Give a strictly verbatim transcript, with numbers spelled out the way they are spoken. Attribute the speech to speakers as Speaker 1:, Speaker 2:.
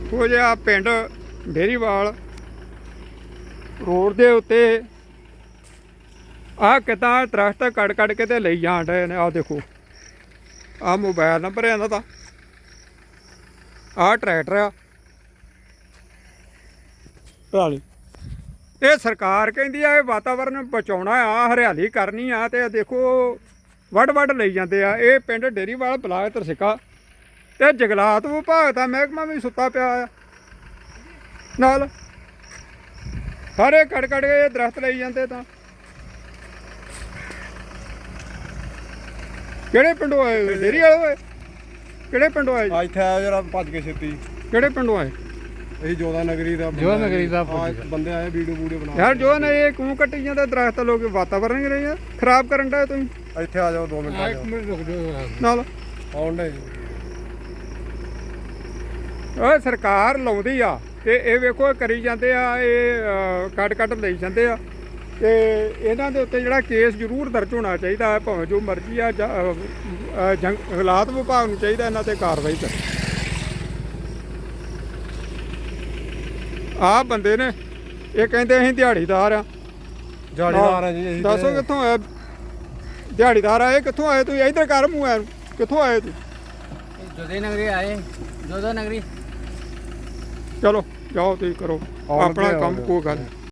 Speaker 1: ਉਹ ਜਿਹਾ ਪਿੰਡ ਡੇਰੀਵਾਲ ਰੋਡ ਦੇ ਉੱਤੇ ਆਹ ਕਿੱਦਾਂ ਦਰਖਤ ਕੱਟ ਕੱਟ ਕੇ ਤੇ ਲਈ ਜਾਣ ਡਏ ਨੇ। ਆਹ ਦੇਖੋ, ਆਹ ਮੋਬਾਈਲ ਨੰਬਰ ਹੈ ਇਹਨਾਂ ਦਾ, ਆਹ ਟਰੈਕਟਰ ਆ ਪਰਾਲੀ। ਇਹ ਸਰਕਾਰ ਕਹਿੰਦੀ ਆ ਇਹ ਵਾਤਾਵਰਨ ਬਚਾਉਣਾ ਆ, ਹਰਿਆਲੀ ਕਰਨੀ ਆ, ਤੇ ਦੇਖੋ ਵੱਢ ਵੱਢ ਲਈ ਜਾਂਦੇ ਆ। ਇਹ ਪਿੰਡ ਡੇਰੀਵਾਲ ਬਲਾਕ ਤਰਸਿੱਕਾ ਤੇ ਜੰਗਲਾਤ ਵਿਭਾਗ ਦਾ ਮਹਿਕਮਾ ਵੀ ਸੁੱਤਾ ਪਿਆ ਆ ਨਾਲ, ਸਾਰੇ ਕੱਟ ਕੱਟ ਕੇ ਦਰਖਤ ਲਈ ਜਾਂਦੇ। ਤਾਂ ਕਿਹੜੇ ਪਿੰਡੋਂ ਆਏ? ਡੇਰੀ ਵਾਲੇ ਹੋਏ? ਕਿਹੜੇ ਪਿੰਡੋਂ ਆਏ?
Speaker 2: ਇੱਥੇ ਆਇਆ ਜਰਾ ਭੱਜ ਕੇ ਛੇਤੀ।
Speaker 1: ਕਿਹੜੇ ਪਿੰਡੋਂ ਆਏ?
Speaker 2: ਇਹ ਜੋਧਾ ਨਗਰੀ ਦਾ
Speaker 3: ਜੋਧਾ ਨਗਰੀ ਦਾ
Speaker 2: ਬੰਦੇ ਆਏ, ਵੀਡੀਓ ਵੀਡੀਓ ਬਣਾ।
Speaker 1: ਯਾਰ ਜੋ ਨੇ ਇਹ ਕਿਉਂ ਕੱਟੀ ਜਾਂਦੇ ਦਰਖਤ? ਲੋਕ ਵਾਤਾਵਰਨ ਹੀ ਰਹੇ ਖਰਾਬ ਕਰਨ ਦਾ। ਤੁਸੀਂ
Speaker 2: ਇੱਥੇ ਆ ਜਾਓ, ਦੋ ਮਿੰਟ ਆ ਜਾਓ
Speaker 3: ਰੁਕ ਜਾਓ
Speaker 1: ਨਾਲ।
Speaker 2: ਆਉਣ ਦੇ
Speaker 1: ਉਹ ਸਰਕਾਰ ਲਾਉਂਦੀ ਆ ਤੇ ਇਹ ਵੇਖੋ ਕਰੀ ਜਾਂਦੇ ਆ, ਇਹ ਕੱਟ ਕੱਟ ਲਈ ਜਾਂਦੇ ਆ। ਤੇ ਇਹਨਾਂ ਦੇ ਉੱਤੇ ਜਿਹੜਾ ਕੇਸ ਜ਼ਰੂਰ ਦਰਜ ਹੋਣਾ ਚਾਹੀਦਾ ਹੈ, ਭਾਵੇਂ ਜੋ ਮਰਜ਼ੀ ਆ। ਜੰਗਲਾਤ ਵਿਭਾਗ ਨੂੰ ਚਾਹੀਦਾ ਇਹਨਾਂ ਤੇ ਕਾਰਵਾਈ ਕਰੇ। ਆਹ ਬੰਦੇ ਨੇ, ਇਹ ਕਹਿੰਦੇ ਅਸੀਂ ਦਿਹਾੜੀਦਾਰ ਆ।
Speaker 2: ਦਿਹਾੜੀਦਾਰ ਆ ਜੀ।
Speaker 1: ਦੱਸੋ ਕਿੱਥੋਂ ਆਏ? ਦਿਹਾੜੀਦਾਰ ਆਏ ਕਿੱਥੋਂ ਆਏ? ਤੁਸੀਂ ਇੱਧਰ ਕਰ ਮੂੰਹ ਐ, ਕਿੱਥੋਂ ਆਏ ਤੁਸੀਂ?
Speaker 3: ਜੋਧੇ ਨਗਰੀ ਆਏ, ਜੋਧਾ ਨਗਰੀ।
Speaker 1: ਚਲੋ ਜਾਓ ਤੁਸੀਂ ਕਰੋ ਆਪਣਾ ਕੰਮ, ਕੋਈ ਗੱਲ ਨਹੀਂ।